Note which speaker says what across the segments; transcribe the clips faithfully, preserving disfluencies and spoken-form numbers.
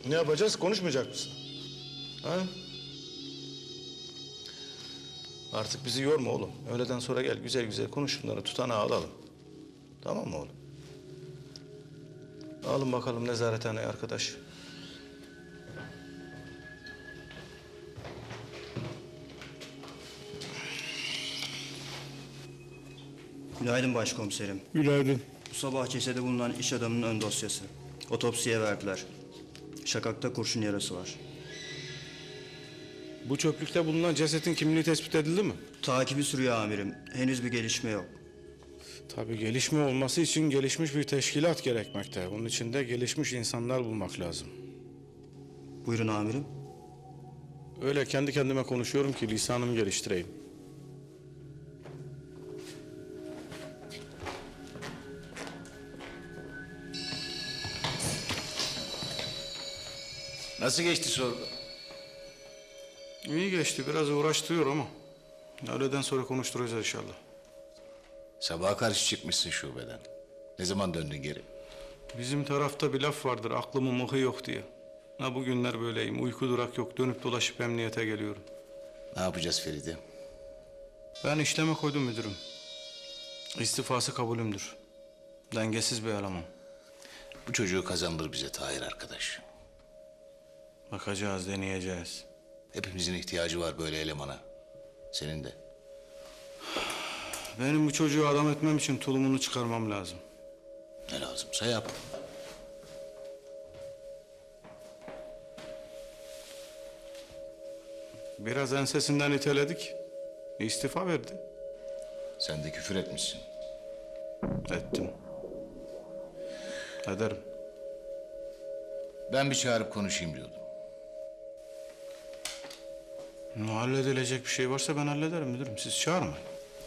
Speaker 1: Ne yapacağız? Konuşmayacak mısın? Ha? Artık bizi yorma oğlum. Öğleden sonra gel güzel güzel konuş şunları, tutanağı alalım. Tamam mı oğlum? Alın bakalım nezarethaneye arkadaş.
Speaker 2: Günaydın başkomiserim.
Speaker 3: Günaydın.
Speaker 2: Bu sabah cesede bulunan iş adamının ön dosyası. Otopsiye verdiler. Şakakta kurşun yarası var.
Speaker 3: Bu çöplükte bulunan cesetin kimliği tespit edildi mi?
Speaker 2: Takibi sürüyor amirim. Henüz bir gelişme yok.
Speaker 3: Tabii gelişme olması için gelişmiş bir teşkilat gerekmekte. Bunun için de gelişmiş insanlar bulmak lazım.
Speaker 2: Buyurun amirim.
Speaker 3: Öyle kendi kendime konuşuyorum ki lisanımı geliştireyim.
Speaker 4: Nasıl geçti sorgu?
Speaker 3: İyi geçti, biraz uğraştırıyor ama öğleden sonra konuşturacağız inşallah.
Speaker 4: Sabaha karşı çıkmışsın şubeden. Ne zaman döndün geri?
Speaker 3: Bizim tarafta bir laf vardır, aklımın mıhı yok diye. Ha bugünler böyleyim, uyku durak yok, dönüp dolaşıp emniyete geliyorum.
Speaker 4: Ne yapacağız Feride?
Speaker 3: Ben işleme koydum müdürüm. İstifası kabulümdür. Dengesiz bir eleman.
Speaker 4: Bu çocuğu kazandır bize Tahir arkadaş.
Speaker 3: Bakacağız, deneyeceğiz.
Speaker 4: Hepimizin ihtiyacı var böyle elemana. Senin de.
Speaker 3: Benim bu çocuğu adam etmem için tulumunu çıkarmam lazım.
Speaker 4: Ne lazımsa yap.
Speaker 3: Biraz ensesinden iteledik. İstifa verdi.
Speaker 4: Sen de küfür etmişsin.
Speaker 3: Ettim. Ederim.
Speaker 4: Ben bir çağırıp konuşayım diyordum.
Speaker 3: Halledilecek bir şey varsa ben hallederim müdürüm. Siz çağırmayın.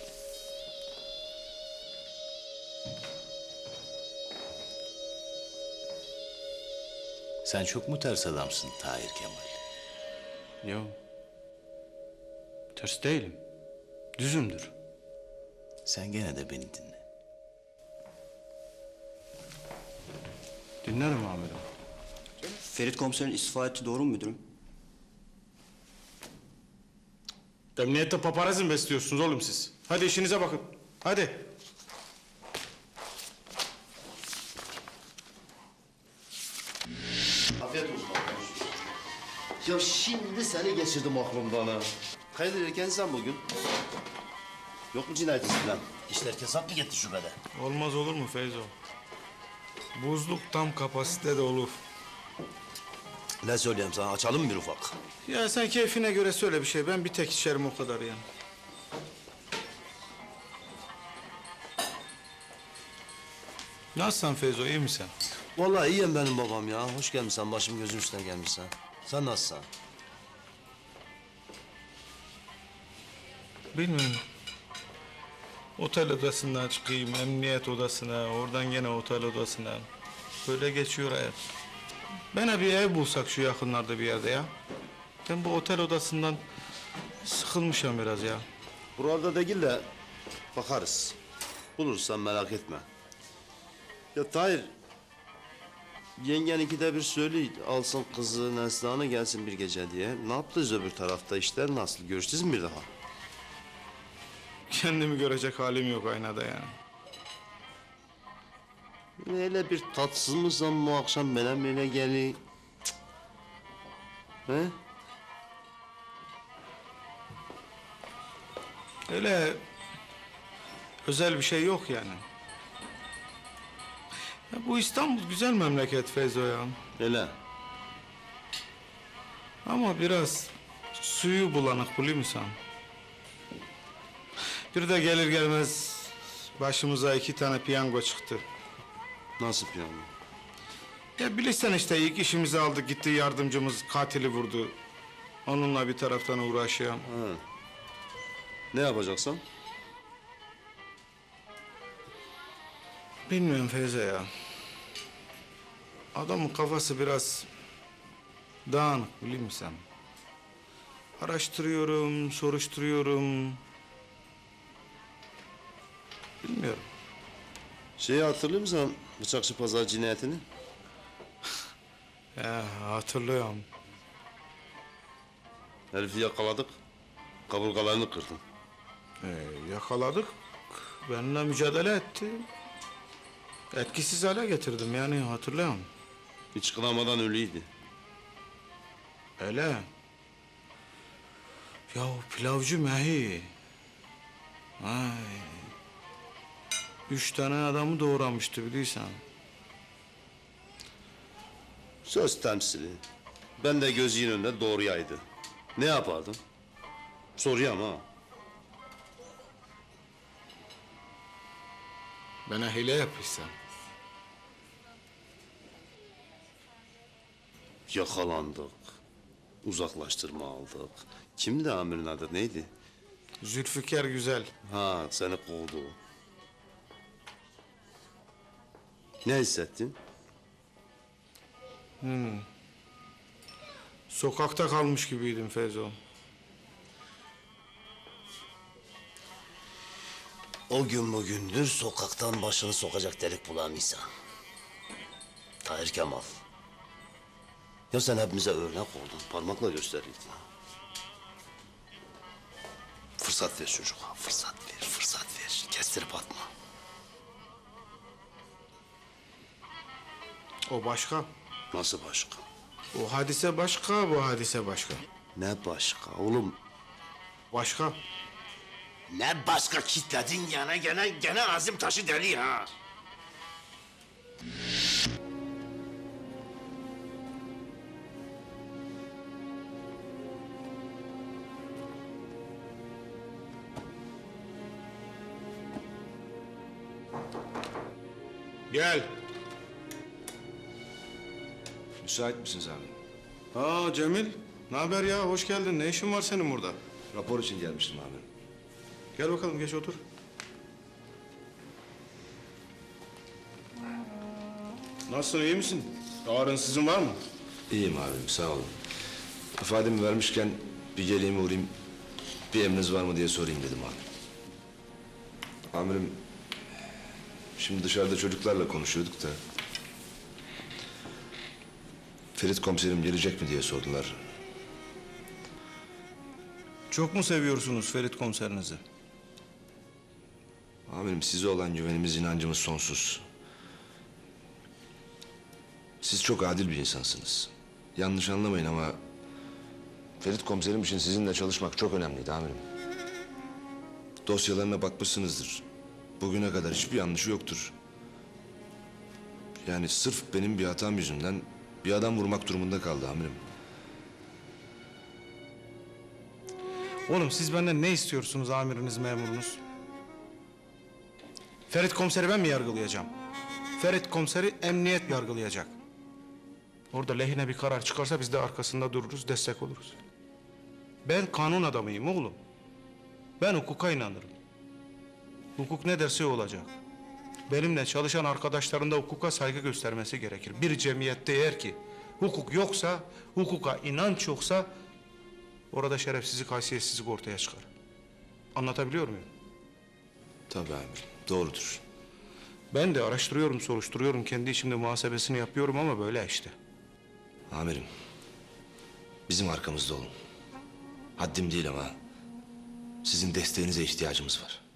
Speaker 4: Sen çok mu ters adamsın Tahir Kemal?
Speaker 3: Yok. Ters değilim. Düzümdür.
Speaker 4: Sen gene de beni dinle.
Speaker 3: Dinlerim amirim.
Speaker 2: Ferit komiserin istifa etti, doğru mu müdürüm?
Speaker 3: Emniyette paparazzi mi besliyorsunuz oğlum siz? Hadi işinize bakın. Hadi.
Speaker 5: Afiyet olsun. Ya şimdi seni geçirdim aklımdan ha. Hayırdır erkensen bugün? Yok mu cinayet izi falan? İşler kesap mı gitti şubede?
Speaker 3: Olmaz olur mu Feyzo? Buzluk tam kapasitede olur.
Speaker 5: Ne söyleyeyim sana, açalım mı bir ufak?
Speaker 3: Ya sen keyfine göre söyle bir şey. Ben bir tek içerim o kadar yani. Nasılsın Feyzo, iyi misin?
Speaker 5: Vallahi iyiyim benim babam ya. Hoş gelmişsin, başım gözüm üstüne gelmişsin. Sen nasılsın?
Speaker 3: Bilmiyorum. Otel odasından çıkayım, emniyet odasına, oradan gene otel odasına. Böyle geçiyor hayat. Bana bir ev bulsak şu yakınlarda bir yerde ya. Ben bu otel odasından sıkılmışım biraz ya.
Speaker 5: Burada değil de bakarız. Bulursan merak etme. Ya Tahir, yengen ikide bir söyle alsın kızı Neslihan'ı gelsin bir gece diye. Ne yaptınız öbür tarafta, işler nasıl? Görüştünüz mü bir daha?
Speaker 3: Kendimi görecek halim yok aynada yani.
Speaker 5: Öyle bir tatsız mısın bu akşam bana böyle geli? Cık. He?
Speaker 3: Öyle özel bir şey yok yani. Ya bu İstanbul güzel memleket Feyzo ya.
Speaker 5: Öyle.
Speaker 3: Ama biraz suyu bulanık biliyor musun? Bir de gelir gelmez başımıza iki tane piyango çıktı.
Speaker 5: Nasıl yani?
Speaker 3: Ya bilirsen işte ilk işimizi aldık gitti yardımcımız katili vurdu. Onunla bir taraftan uğraşıyorum.
Speaker 5: Ha. Ne yapacaksın?
Speaker 3: Bilmiyorum Feyzo ya. Adamın kafası biraz dağınık biliyor musun? Araştırıyorum, soruşturuyorum. Bilmiyorum.
Speaker 5: Şeyi hatırlıyor musun? Bıçakçı Pazar cinayetini?
Speaker 3: He, hatırlıyorum.
Speaker 5: Herifi yakaladık. Kaburgalarını kırdın.
Speaker 3: Ee, yakaladık. Benimle mücadele etti. Etkisiz hale getirdim yani hatırlıyorum.
Speaker 5: Hiç kınamadan ölüydü.
Speaker 3: Öyle. Ya o pilavcı Mehi. Ay. Üç tane adamı doğramıştı biliyorsan.
Speaker 5: Söz temsili. Ben de gözünün önünde doğruyaydı. Ne yapardın? Soruyorum ha.
Speaker 3: Bana hile yapıyorsan.
Speaker 5: Yakalandık. Uzaklaştırma aldık. Kimdi amirin adı neydi?
Speaker 3: Zülfikar güzel.
Speaker 5: Ha seni kovdu. Ne hissettin?
Speaker 3: Sokakta kalmış gibiydim Feyzo.
Speaker 5: O gün bugündür sokaktan başını sokacak delik bulamıyorsan. Tahir Kemal. Ya sen hepimize örnek oldun. Parmakla gösteriydin. Fırsat ver çocuğa. Fırsat ver, fırsat ver. Kestirip atma.
Speaker 3: O başka.
Speaker 5: Nasıl başka?
Speaker 3: O hadise başka, bu hadise başka.
Speaker 5: Ne başka oğlum?
Speaker 3: Başka.
Speaker 5: Ne başka kitledin gene gene gene azim taşı deli ha.
Speaker 3: Gel.
Speaker 6: Müsait misiniz abi?
Speaker 3: Aa Cemil. Ne haber ya? Hoş geldin. Ne işin var senin burada?
Speaker 6: Rapor için gelmiştim abi.
Speaker 3: Gel bakalım geç otur. Nasılsın iyi misin? Ağrınsızın var mı?
Speaker 6: İyiyim abim, sağ olun. İfademi vermişken bir geleyim uğrayayım, bir emriniz var mı diye sorayım dedim abi. Amirim, şimdi dışarıda çocuklarla konuşuyorduk da... Ferit komiserim gelecek mi diye sordular.
Speaker 3: Çok mu seviyorsunuz Ferit komiserinizi?
Speaker 6: Amirim, size olan güvenimiz, inancımız sonsuz. Siz çok adil bir insansınız. Yanlış anlamayın ama... Ferit komiserim için sizinle çalışmak çok önemliydi amirim. Dosyalarına bakmışsınızdır. Bugüne kadar hiçbir yanlışı yoktur. Yani sırf benim bir hatam yüzünden bir adam vurmak durumunda kaldı amirim.
Speaker 3: Oğlum siz benden ne istiyorsunuz amiriniz, memurunuz? Ferit komiseri ben mi yargılayacağım? Ferit komiseri emniyet yargılayacak. Orada lehine bir karar çıkarsa biz de arkasında dururuz, destek oluruz. Ben kanun adamıyım oğlum. Ben hukuka inanırım. Hukuk ne derse o olacak. Benimle çalışan arkadaşların da hukuka saygı göstermesi gerekir. Bir cemiyette eğer ki hukuk yoksa, hukuka inanç yoksa... orada şerefsizlik, haysiyetsizlik ortaya çıkar. Anlatabiliyor muyum?
Speaker 6: Tabii amirim, doğrudur.
Speaker 3: Ben de araştırıyorum, soruşturuyorum. Kendi içimde muhasebesini yapıyorum ama böyle işte.
Speaker 6: Amirim, bizim arkamızda olun. Haddim değil ama sizin desteğinize ihtiyacımız var.